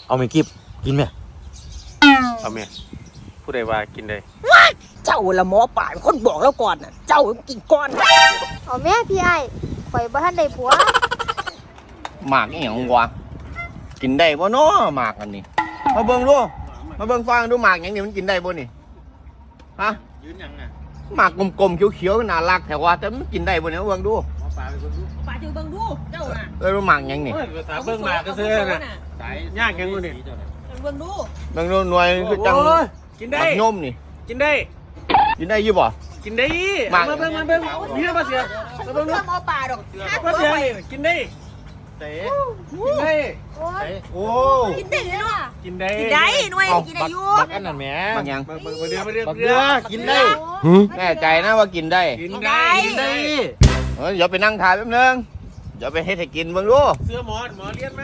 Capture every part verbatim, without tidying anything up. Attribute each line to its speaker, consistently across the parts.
Speaker 1: เอาไม่กิบกินไหม
Speaker 2: เอาเมียผู้ใดว่ากินได้
Speaker 3: เจ้าละหมอป่าเป็นคนบอกแล้วก่อนน่ะเจ้ากินก่อน
Speaker 4: เอาแม่พี่ไอ้ข่อยบ่ทันได้ผัว
Speaker 5: หมากอีหยังวะกินได้บ่เนาะหมากอันนี้มาเบิ่งดูมาเบิ่งฟังดูหมากหยังนี่มันกินได้บ่นี่ฮะ
Speaker 2: ยืนยังอ่ะ
Speaker 5: หมากกลมๆเขียวๆน่ารักแต่ว่าแต่มันกินได้บ่เนี่ยเบิ่งดู
Speaker 2: หมอปลาไปเบิ่งดู
Speaker 3: ป่าจะเบิ่งดูเจ้าน่ะ
Speaker 5: เออหมากหยังนี่
Speaker 2: ภาษาเบิ่งหมากก็ซื้อน่ะสายยากยังกูนี่
Speaker 3: เบิ่งดู
Speaker 5: เบิ่งดูหน่วยคือจัง
Speaker 2: กินได้
Speaker 5: นมนี่
Speaker 2: กินได้
Speaker 5: กินได้อยู่บ่
Speaker 2: กินได้มาเบิ่งมาเบิ่งนี่มาเสียมาเบิ่งดู
Speaker 3: หมอป่าดอก
Speaker 2: มาเสียกินได้
Speaker 5: เต๋
Speaker 2: กินได้
Speaker 5: โอ้
Speaker 3: กินได้เนาะ
Speaker 2: กินได้
Speaker 3: กินได้หน่วยกินได้อยู่
Speaker 1: บักอันนั้นแหม
Speaker 5: บักยัง
Speaker 2: บักบักเดือบักเดือบักเดือ
Speaker 5: กินได้แน่ใจนะว่ากินได้
Speaker 2: กินได้กินได้
Speaker 5: เออเดี๋ยวไปนั่งถ่ายแป๊บนึงเดี๋ยวไปเฮ็ดให้กินเบิ่งดู
Speaker 2: เสื้อหมอหมอเลี้ยงมา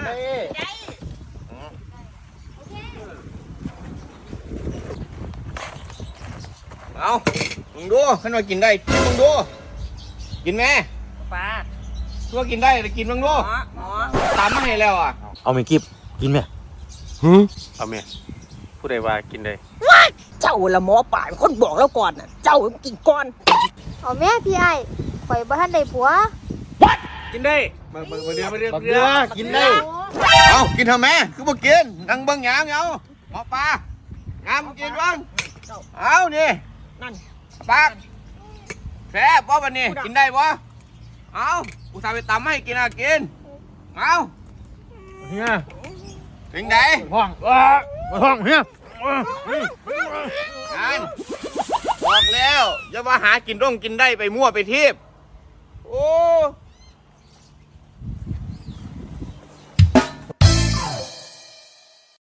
Speaker 5: เอามึงดูขันว่ากินได้กินมึงดูกินไหม
Speaker 3: ป่า
Speaker 5: ตัวกินได้แต่กินมึงดู
Speaker 3: หมอ
Speaker 5: ตามมาให้แล้วอ่ะ
Speaker 1: เอาไม่กิบกินไหม
Speaker 2: เอาเมียผู้ใดว่ากินได้
Speaker 3: เจ้าละหมอป่าเป็นคนบอกแล้วก่อนน่ะเจ้ากินก่อน
Speaker 4: เอาแม่พี่ไอ้ข่อยบ่ทันได้ผัว
Speaker 2: กินได้บักบักเดือบักเดือบักเดือ
Speaker 5: กินได้เอากินทำไมคือบ่กินนั่งเบิ่งหยามเอาหมอปลางามกินบ้างเอานี่
Speaker 3: นั่น
Speaker 5: ปากแซ่บบ่บัดนี้กินได้บ่เอาอุตส่าห์ไปตำให้กินอ่ะกินเอา
Speaker 2: เฮีย
Speaker 5: ถึงไหน
Speaker 2: ห้องว้าห้องเฮีย
Speaker 5: งานบอกแล้วอย่ามาหากินร่องกินได้ไปมั่วไปทิพย์โอ้